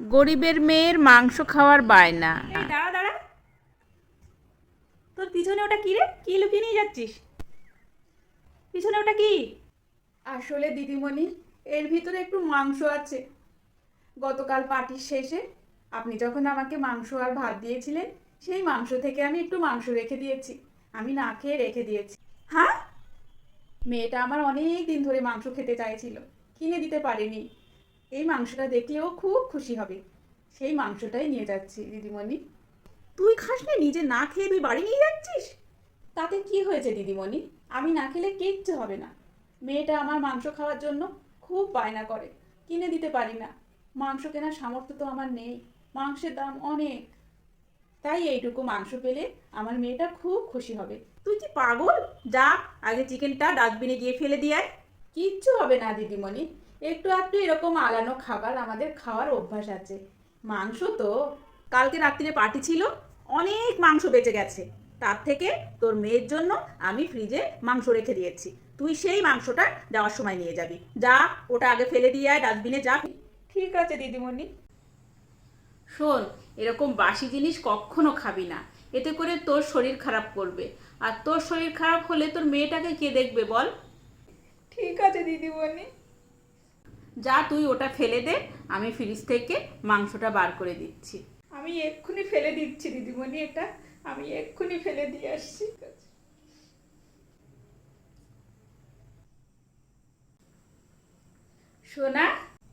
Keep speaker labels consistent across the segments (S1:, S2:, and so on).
S1: গরিবের মেয়ের মাংস খাওয়ার বায়না।
S2: এই দাঁড়া দাঁড়া, তোর পিছনে ওটা কি রে? কি লুকিয়ে নিয়ে যাচ্ছিস? পিছনে ওটা কি?
S3: আসলে দিদিমণি, এর ভিতরে একটু মাংস আছে। গতকাল পার্টির শেষে আপনি যখন আমাকে মাংস আর ভাত দিয়েছিলেন, সেই মাংস থেকে আমি একটু মাংস রেখে দিয়েছি। আমি না খেয়ে রেখে দিয়েছি।
S2: হ্যাঁ?
S3: মেয়েটা আমার অনেক দিন ধরে মাংস খেতে চাইছিল, কিনে দিতে পারিনি। এই মাংসটা দেখলেও খুব খুশি হবে, সেই মাংসটাই নিয়ে যাচ্ছি দিদিমণি।
S2: তুই খাসনি? নিজে না খেয়ে তুই বাড়ি নিয়ে যাচ্ছিস?
S3: তাতে কি হয়েছে দিদিমণি? আমি না খেলে কিচ্ছু হবে না। মেয়েটা আমার মাংস খাওয়ার জন্য খুব বায়না করে, কিনে দিতে পারি না। মাংস কেনার সামর্থ্য তো আমার নেই, মাংসের দাম অনেক। তাই এইটুকু মাংস পেলে আমার মেয়েটা খুব খুশি হবে।
S2: তুই কি পাগল? যা, আগে চিকেনটা ডাস্টবিনে গিয়ে ফেলে দিয়ে আয়।
S3: কিচ্ছু হবে না দিদিমণি, একটু একটু এরকম আলানো খাবার আমাদের খাওয়ার অভ্যাস আছে। মাংস তো।
S2: কালকে রাত্রিরে পার্টি ছিল, অনেক মাংস বেঁচে গেছে। তার থেকে তোর মেয়ের জন্য আমি ফ্রিজে মাংস রেখে দিয়েছি। তুই সেই মাংসটা যাওয়ার সময় নিয়ে যাবি। যা, ওটা আগে ফেলে দিয়ে আয় ডাস্টবিনে, যা।
S3: ঠিক আছে দিদিমণি।
S1: শোন, এরকম বাসি জিনিস কখনো খাবি না, এতে করে তোর শরীর খারাপ করবে। আর তোর শরীর খারাপ হলে তোর মেয়েটাকে কে দেখবে বল?
S3: ঠিক আছে দিদিমণি।
S1: যা, তুই ওটা ফেলে দে, আমি ফ্রিজ থেকে মাংসটা বার করে দিচ্ছি।
S3: আমি এক্ষুনি ফেলে দিচ্ছি দিদিমণি, এটা আমি এক্ষুনি ফেলে দিয়ে আসছি।
S1: সোনা,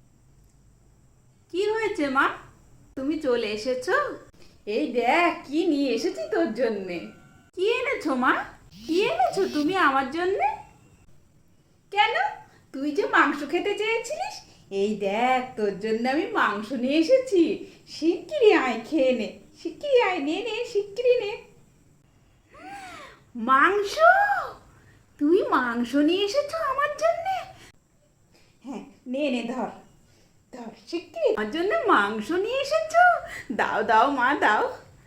S1: কি হয়েছে মা? তুমি চলে এসেছো?
S3: এই দেখ কি নিয়ে এসেছি তোর জন্যে।
S1: কি এনেছো মা? কি এনেছো তুমি আমার জন্যে?
S3: কেন, তুই যে মাংস খেতে চেয়েছিলিস, এই দেখ তোর জন্য আমি মাংস নিয়ে এসেছি। শিগগিরই আয়, খেয়ে নে। শিগগিরই আয়, নে নে, শিগগিরই নে।
S1: মাংস? তুমি মাংস নিয়ে এসেছো আমার জন্যে?
S3: হ্যাঁ, নে নে, ধর ধর, শিগগিরই।
S1: আমার জন্য মাংস নিয়ে এসেছো? দাও দাও মা, দাও।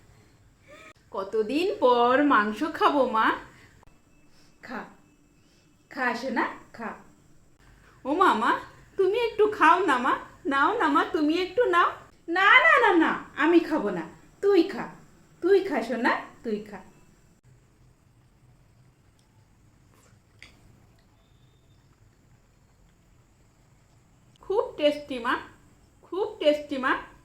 S1: কতদিন পর মাংস খাবো মা।
S3: খা, খা শোনা, খা।
S1: ও মামা, তুমি একটু খাও না মা। নাও না মা, তুমি একটু নাও।
S3: না না না না, আমি খাবো না, তুই খা। তুই খা শোনা, তুই খা।
S1: খুব টেস্টি মা, খুব টেস্টি মা।